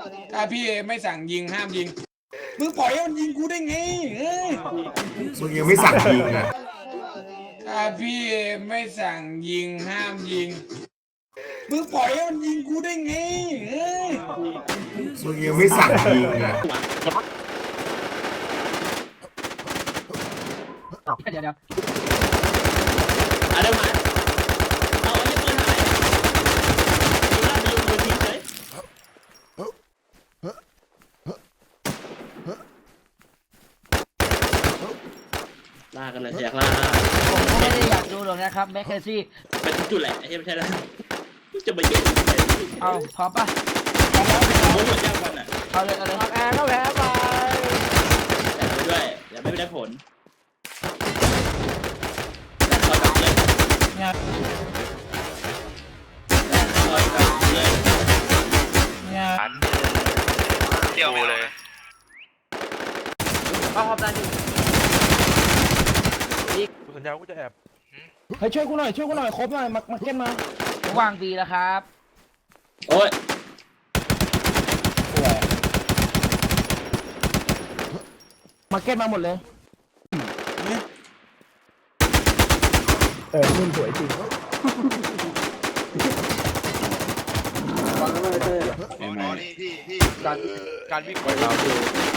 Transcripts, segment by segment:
ถ้าพี่ไม่สั่งยิงห้ามยิงมึงปล่อยให้มันยิงกูได้ไงเฮ้ยมึงยังไม่สั่งยิงอ่ะถ้าพี่ไม่สั่งยิงห้ามยิงมึงปล่อยให้มันยิงกูได้ไงเฮ้ยมึงยังไม่สั่งยิงอ่ะเดี๋ยวเอาเดี๋ยวมาเอาไอ้ปืนหายดูหน้าไปโยนปืนทิ้งเลยล่ากันเลยอยากล่าผมก็ไม่ได้อยากดูหรอกนะครับแมคเคซี่เป็นจุดแหละไอ้เหี้ยไม่ใช่แล้วจะไปเย็นเอาพร้อมป่ะมุ้งหัวเจ้ากันอ่ะเอาเลยเอาเลยแอร์ก็แพ้ไปแต่ไปด้วยอย่าไม่ได้ผลแต่คอยกับเลยคอยกับเลยเที่ยวไปเลยเอาความดันอยู่กูสัญญาว่ากูจะแอบเฮ้ยช่วยกูหน่อยครบหน่อยมาเก็ตมาวางบีแล้วครับโอ้ยมาเก็ตมาหมดเลยนุ่นสวยจริงการวิ่งไปเราดู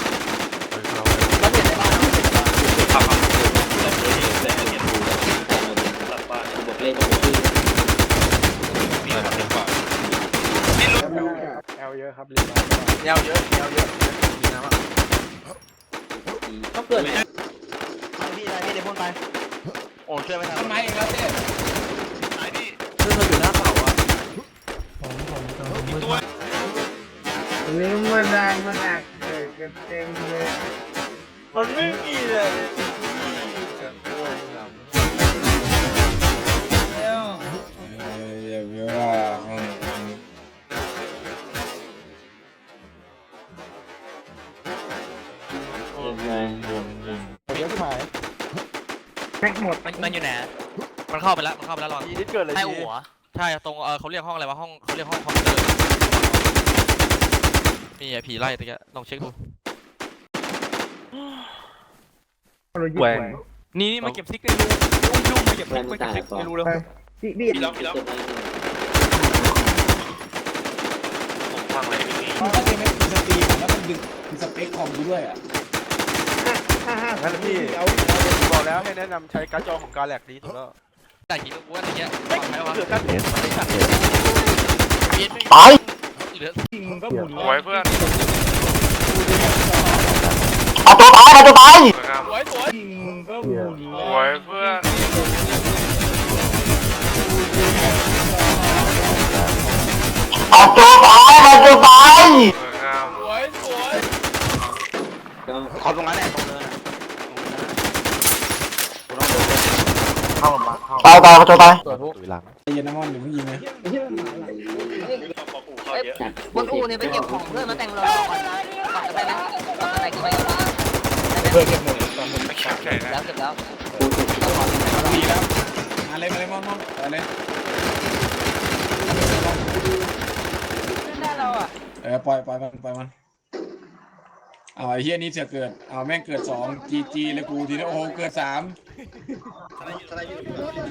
แอลเยอะครับแนวเยอะต้องเกิดพี่เดี๋ยวพ่นไปโอ้ช่วยไม่ทันทำไมเองแล้วเต้ซึ่งเราอยู่หน้าเสาอ่ะนี่มันดังมันดังเกิดกันเต็มเลยมันไม่มีเลยอย่าไปว่าเยอะที่หมายมันอยู่ไหนมันเข้าไปแล้วรอนทีที่เกิดอะไรใต้ทีหัวใช่ตรงเขาเรียกห้องอะไรวะเขาเรียกห้องคอมพิวเตอร์มีไอ้ผีไล่ตะกี้ลองเช็คดูแหวงนี่มาเก็บซิกในรูยุ่งมาเก็บซิกในรูแล้วพี่พี่แล้วผมฟังอะไรไม่มีถ้าเต้ไม่มีสตรีมแล้วมันดึงสเปคคอมกูด้วยอ่ะงั้นพี่บอกแล้วให้แนะนำใช้การ์ดจอของการแลกดีสุดแล้วแต่กี่กูว่าตะกี้ไม่ใช่ปะเหลือการเทสมันไม่ชัดตายเหลือโอ้ยเพื่อนเอาตัวตายเอาตัวตายสวยโอ้ยเพื่อนเอาตัวตายเอาตัวตายขอตรงนั้นแหละตรงเนินตายเอาตัวตายเย็นน้ำมันเดี๋ยวมึงยิงนะบนอูเนี่ยไปเก็บของเพื่อนมาแต่งรอก่อนจะไปไหมก่อนอะไรก็ไปไม่แข็งใจนะแล้วเสร็จแล้วดีแล้วมาเลยมอนไปเลยได้เราอ่ะปล่อยมันเอาไอ้เฮียนี่เสือเกิดเอาแม่งเกิด2 GG เลยกูทีนี้โอ้โหเกิด3